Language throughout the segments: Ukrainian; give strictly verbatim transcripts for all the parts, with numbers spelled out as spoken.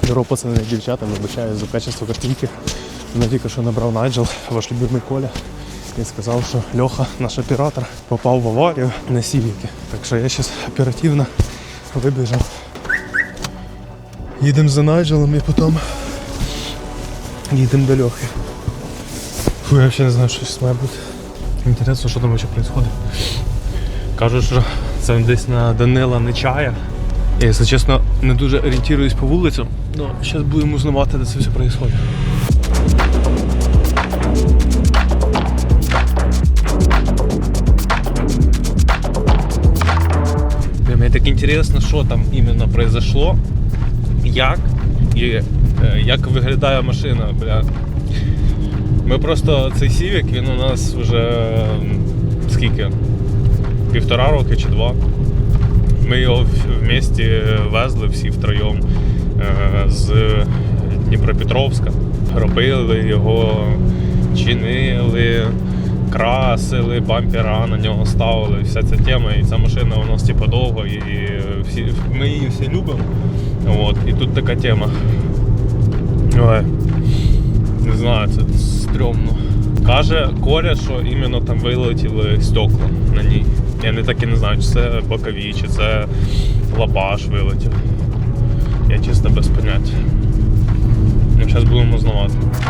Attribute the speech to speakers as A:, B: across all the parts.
A: Здорово, пацани і дівчата, вибачаю за качество картинки. Мене тільки що набрав Найджел, ваш любимий Коля. І сказав, що Льоха, наш оператор, попав в аварію на Сівіки. Так що я зараз оперативно вибіжав. Їдемо за Найджелом і потім їдемо до Льохи. Фу, я взагалі не знаю, що зараз має бути. Інтересно, що там взагалі відбувається. Кажуть, що це десь на Данила Нечая. Я, якщо чесно, не дуже орієнтуюсь по вулицям, але зараз будемо узнавати, де це все відбувається. Мені так інтересно, що там іменно произошло, як і е, як виглядає машина, бля. Ми просто, цей Civic, він у нас вже скільки? Півтора роки чи два. Ми його в місті везли всі втроєм е, з Дніпропетровська. Робили його, чинили, красили, бампера на нього ставили, вся ця тема. І ця машина у нас типу довго, і всі, ми її всі любимо. От, і тут така тема. Ой, не знаю, це стрьомно. Каже Коля, що іменно там вилетіли стекла на ній. Я не так і не знаю, чи це бокові, чи це лабаш вилетів. Я чисто без поняття. Ну, зараз будемо знавати.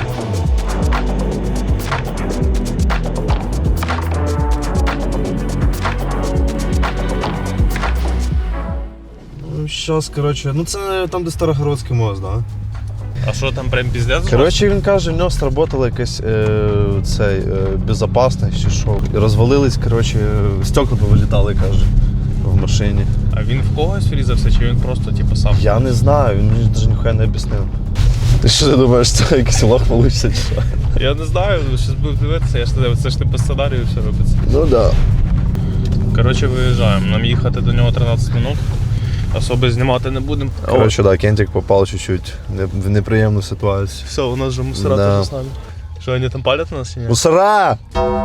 B: Ну, зараз, коротше, ну це там, де Старогородський мост, да?
A: А що там прям піздець?
B: Коротше, він каже, в нього сработала якась е, цей, е, безпечність чи що. І розвалились, коротше, стекла повилітали, каже, в машині.
A: А він в когось врізався, чи він просто типу сам?
B: Я не знаю, він мені навіть ніхуя не об'яснив. Ти що ти думаєш, це якийсь лох получиться чи що?
A: Я не знаю, зараз буду дивитися, я ж не дивлюся, це ж не по сценарію все робиться.
B: Ну да.
A: Коротше, виїжджаємо, нам їхати до нього тринадцять минут. Особи знімати не будемо.
B: Коротше, да, Кентик попав чуть-чуть в неприємну ситуацію.
A: Все, у нас же мусора
B: Да.
A: теж з нами. Що, вони там палять на нас чи ні?
B: Мусора!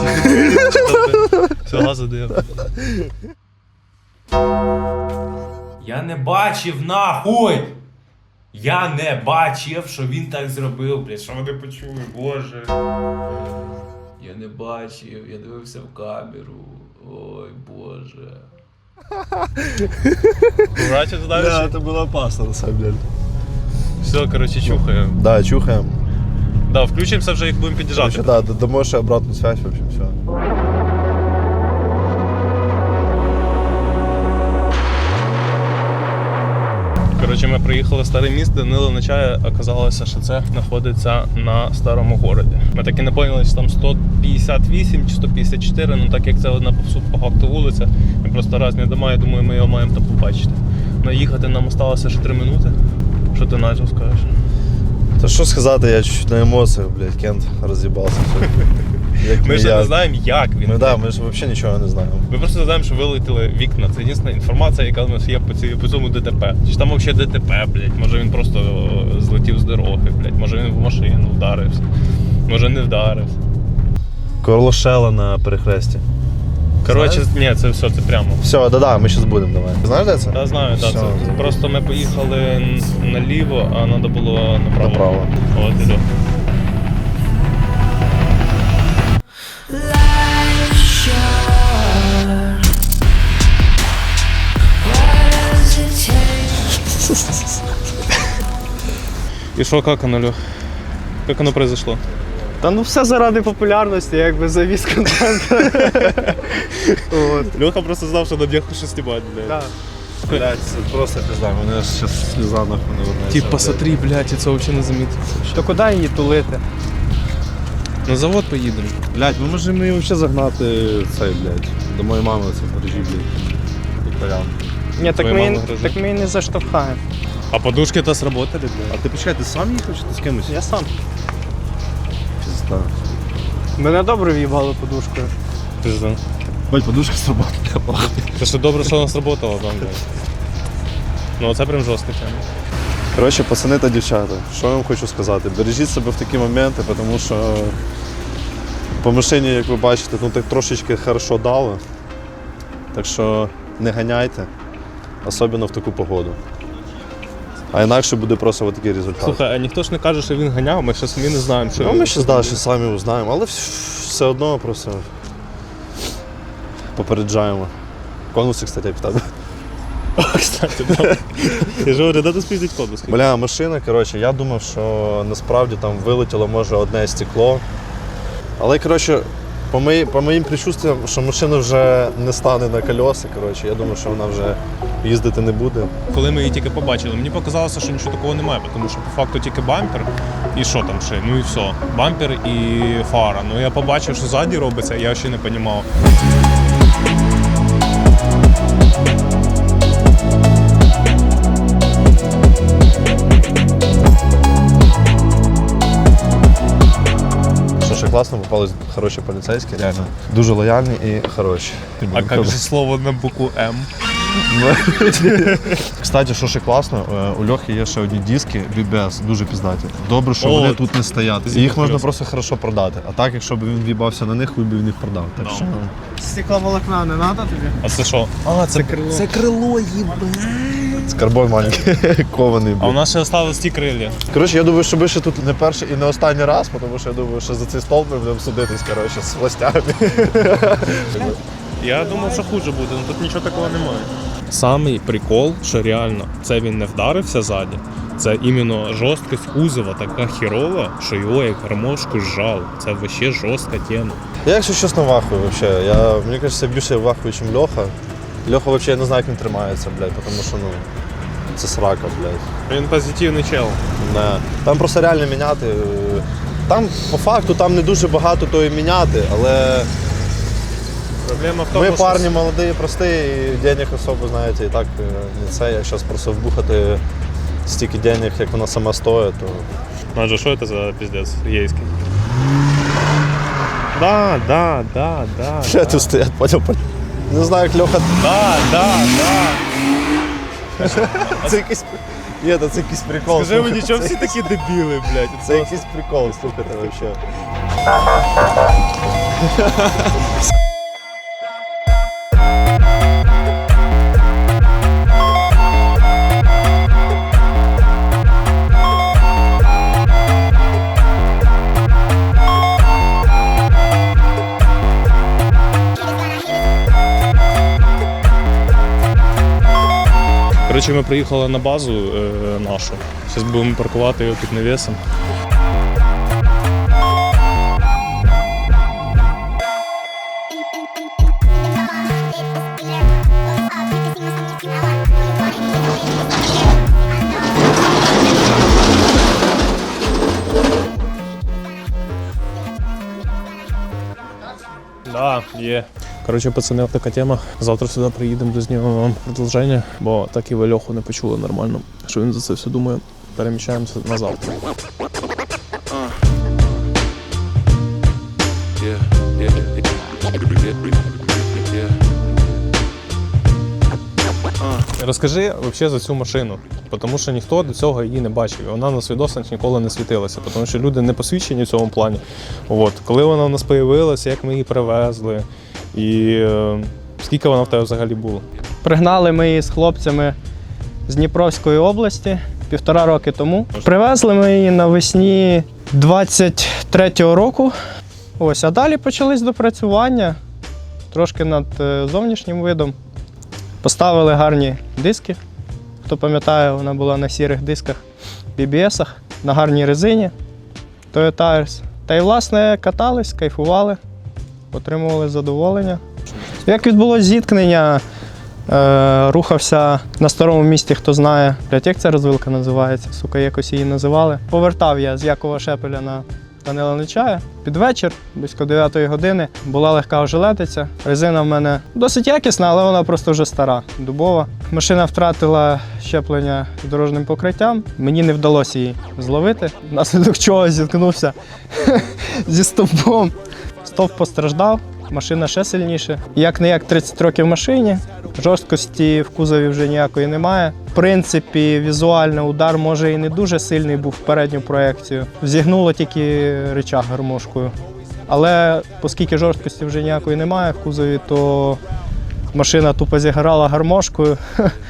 A: Все, газу даємо.
C: Я не бачив нахуй! Я не бачив, що він так зробив, блядь, що вони почули, боже. Я не бачив, я дивився в камеру. Ой, боже.
A: Братів знаєш?
B: Да, це було опасно, на самом деле.
A: Все, коротше, чухаємо.
B: Да, чухаємо.
A: Да, включимося вже, як будемо під'їжджати.
B: Короче, да, дамо ще обратну связь, в общем, все.
A: Коротше, ми приїхали в старе місто, Данила Нечая, оказалося, що це знаходиться на старому городі. Ми так і не поняли, чи там сто п'ятдесят вісім чи сто п'ятдесят чотири, ну так як це одна по факту вулиця, ми просто різні дома, я думаю, ми його маємо там побачити. Наїхати нам осталося ще три минути. Що ти, Найджел, скажеш?
B: Та що сказати, я чуть-чуть на емоціях, блядь, Кент роз'їбався. Як
A: Ми
B: не
A: ж
B: я.
A: не знаємо, як він.
B: Ми, да, ми ж взагалі нічого не знаємо.
A: Ми просто знаємо, що вилетіли вікна. Це єдина інформація, яка у нас є по, цій, по цьому ДТП. Чи там взагалі ДТП, блядь? Може він просто злетів з дороги, блядь? Може він в машину вдарився. Може не вдарився.
B: Корлошела на перехресті.
A: Коротше, ні, це все, це прямо.
B: Все, да-да, ми зараз будемо, давай. Знаєш, де це?
A: Я знаю, так.
B: Все.
A: Це просто ми поїхали н- наліво, а треба було направо.
B: Направо.
A: От іду. І що, як оно, Льох? Як воно произошло?
D: Та ну все заради популярності, якби завіз контент. От.
A: Льоха просто знав, що на днях щось знімати, блядь.
D: Да.
B: Блядь, це просто пізда, мене зараз сліза нахуй не вернеться.
A: Тип, посмотри, блядь, і це взагалі не замітив.
D: То куди її тулити?
A: На завод поїдемо.
B: Блядь, ми можемо її взагалі загнати цей, блядь, до моєї мами це в гаражі, блядь. Пікарям.
D: Ні, так
A: Твоя
D: ми,
A: мама
D: її-
A: гризе.
D: так ми її не заштовхаємо.
A: А подушки-то сработали,
B: А
A: блядь.
B: ти почекай, ти сам їхав чи ти з кимось?
D: Я сам.
B: Пізда.
D: Мене добре в'їбали подушкою.
A: Пизда.
B: Бать, подушка сработала.
A: Це що добре, що вона сработала там, блядь. Ну це прям жорстко тема.
B: Коротше, пацани та дівчата, що я вам хочу сказати? Бережіть себе в такі моменти, тому що по машині, як ви бачите, ну так трошечки хорошо дало. Так що не ганяйте, особливо в таку погоду. А інакше буде просто от такий результат.
A: Слухай, а ніхто ж не каже, що він ганяв, ми ще самі не знаємо, що
B: Ну,
A: він.
B: ми ще далі самі узнаємо, але вс- все одно просто попереджаємо. Конуси, кстати, як в тебе.
A: Кстати, да. Я ж говорю, де ти спіздить конус?
B: Бля, машина, коротше, я думав, що насправді там вилетіло може одне стекло. Але, коротше, по, мої, по моїм предчуттям, що машина вже не стане на колеса, коротше, я думаю, що вона вже їздити не буде.
A: Коли ми її тільки побачили, мені показалося, що нічого такого немає, тому що по факту тільки бампер і що там ще, ну і все. Бампер і фара. Ну я побачив, що ззаді робиться, я ще не розумів.
B: Що ще класно, попались хороші поліцейські, реально. Дуже лояльні і хороші.
A: А як же слово на букву М?
B: Кстати, що ще класно, е, у Льохи є ще одні диски бі бі ес, дуже пізнаті. Добре, що
A: О,
B: вони тут не стоять.
A: зі
B: Їх можна
A: серйозно.
B: просто хорошо продати. А так, якщо б він в'їбався на них, він би їх продав. Так
A: Да.
B: що...
D: Стекловолокна не треба тобі?
A: А це що? А, це,
D: крило.
A: Це крило, їбе.
B: З карбой маленький, кований.
A: А у
B: блін.
A: нас ще залишились ті крилля.
B: Коротше, я думаю, що ми ще тут не перший і не останній раз, тому що я думаю, що за цей стол ми будемо судитись, коротше, з властями.
A: Я думав, що хуже буде, але тут нічого такого немає. Самий прикол, що реально це він не вдарився ззаді, це іменно жорсткість кузова така хірова, що його як гармошку зжав. Це вообще жорстка тема.
B: Я, якщо чесно, вахую взагалі. Я, мені кажеться, більше вахую, ніж Льоха. Льоха взагалі я не знаю, як він тримається, блядь, тому що, ну, це срака, блядь.
A: Він позитивний чел.
B: Не. Там просто реально міняти. е, Там, по факту, там не дуже багато того і міняти, але
A: Проблема в тому,
B: ми
A: що
B: парні молоді, прості, і денег особо, знаєте, і так е, не це. Як зараз просто вбухати стільки денег, як вона сама стоїть, то
A: Надже, що це за піздець єйський? Да, да, да, да.
B: ще тут стоять, поняв. Не знаю, як Льоха.
A: Да, да, да.
B: Це якийсь. Ні, це якийсь прикол.
A: Скажи мені,
B: слухайте,
A: чому
B: це
A: всі такі дебіли, блядь?
B: Це якийсь прикол, слухайте, взагалі.
A: Коротше, ми приїхали на базу е, нашу. Зараз будемо паркувати його під навісом. Да, є. Коротше, пацани, така тема. Завтра сюди приїдемо, дознімемо вам продовження, бо так і ви Льоху не почули нормально, що він за це все думає. Переміщаємося на завтра. Розкажи взагалі за цю машину, тому що ніхто до цього її не бачив. І вона на свідоцтвах ніколи не світилася, тому що люди не посвідчені в цьому плані. От. Коли вона у нас з'явилася, як ми її привезли, і е, скільки вона в тебе взагалі була?
D: Пригнали ми її з хлопцями з Дніпровської області півтора роки тому. Привезли ми її навесні двадцять третього року. Ось, а далі почались допрацювання трошки над е, зовнішнім видом. Поставили гарні диски. Хто пам'ятає, вона була на сірих дисках бі бі есах, на гарній резині Toyo Tires. Та й, власне, катались, кайфували, отримували задоволення. Як відбулось зіткнення, е, рухався на старому місті, хто знає, блядь, як ця розвилка називається, сука, якось її називали. Повертав я з Якова Шепеля на Данила Нечая. Під вечір, близько дев'ятої години, була легка ожеледиця. Резина в мене досить якісна, але вона просто вже стара, дубова. Машина втратила щеплення дорожнім покриттям. Мені не вдалося її зловити, внаслідок чого зіткнувся зі стовпом. Стовп постраждав, машина ще сильніше. Як не як тридцять років машині, жорсткості в кузові вже ніякої немає. В принципі, візуально удар може і не дуже сильний був в передню проекцію. Зігнуло тільки рычаг гармошкою. Але оскільки жорсткості вже ніякої немає в кузові, то машина тупо зіграла гармошкою.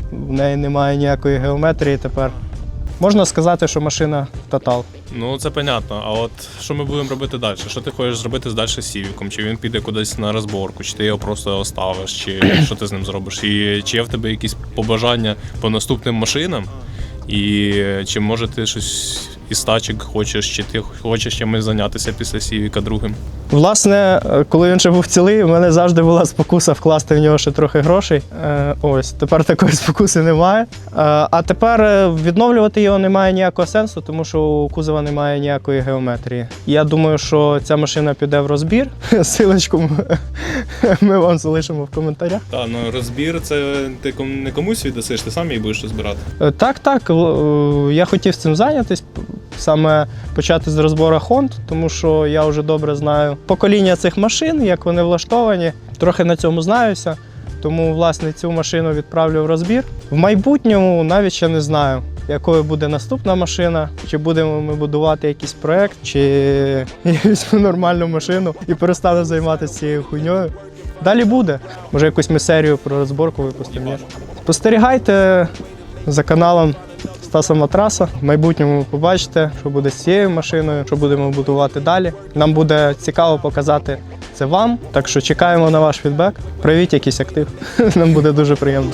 D: в неї немає ніякої геометрії тепер. Можна сказати, що машина тотал.
A: Ну, це понятно. А от що ми будемо робити далі? Що ти хочеш зробити далі з Сівіком? Чи він піде кудись на розборку, чи ти його просто оставиш, чи що ти з ним зробиш? І чи є в тебе якісь побажання по наступним машинам? І чи може ти щось із тачок хочеш, чи ти хочеш чимось зайнятися після Сівіка другим?
D: Власне, коли він ще був цілий, у мене завжди була спокуса вкласти в нього ще трохи грошей. Е, ось, тепер такої спокуси немає. Е, а тепер відновлювати його немає ніякого сенсу, тому що у кузова немає ніякої геометрії. Я думаю, що ця машина піде в розбір. Силочку ми вам залишимо в коментарях.
A: Так, ну розбір це ти ком- не комусь віддасиш, ти сам її будеш розбирати.
D: Е, Так, так. л- е, Я хотів цим зайнятися, саме почати з розбору Хонд, тому що я вже добре знаю покоління цих машин, як вони влаштовані. Трохи на цьому знаюся, тому, власне, цю машину відправлю в розбір. В майбутньому навіть ще не знаю, якою буде наступна машина, чи будемо ми будувати якийсь проєкт, чи я візьму нормальну машину і перестану займатися цією хуйньою. Далі буде. Може, якусь ми серію про розборку випустимо. ні? Спостерігайте за каналом Стаса Матраса. В майбутньому побачите, що буде з цією машиною, що будемо будувати далі. Нам буде цікаво показати це вам, так що чекаємо на ваш фідбек. Проявіть якийсь актив. Нам буде дуже приємно.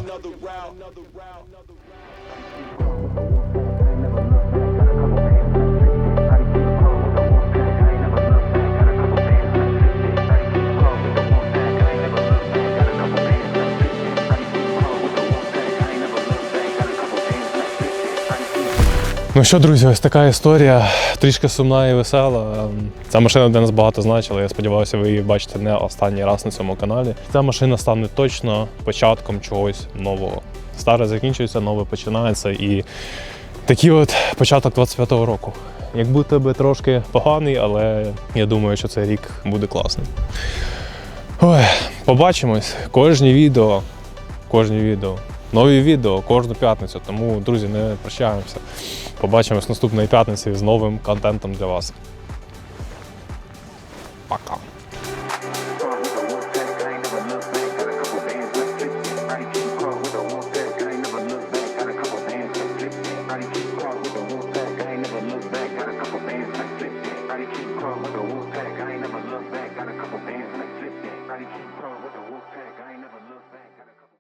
A: Ну що, друзі, ось така історія, трішки сумна і весела. Ця машина для нас багато значила, я сподіваюся, ви її бачите не останній раз на цьому каналі. Ця машина стане точно початком чогось нового. Старе закінчується, нове починається, і такий от початок двадцять п'ятого року. Як будто би трошки поганий, але я думаю, що цей рік буде класним. Ой, побачимось. Кожні відео, кожні відео. Нові відео кожну п'ятницю, тому, друзі, не прощаємося. Побачимось наступної п'ятниці з новим контентом для вас. Пока.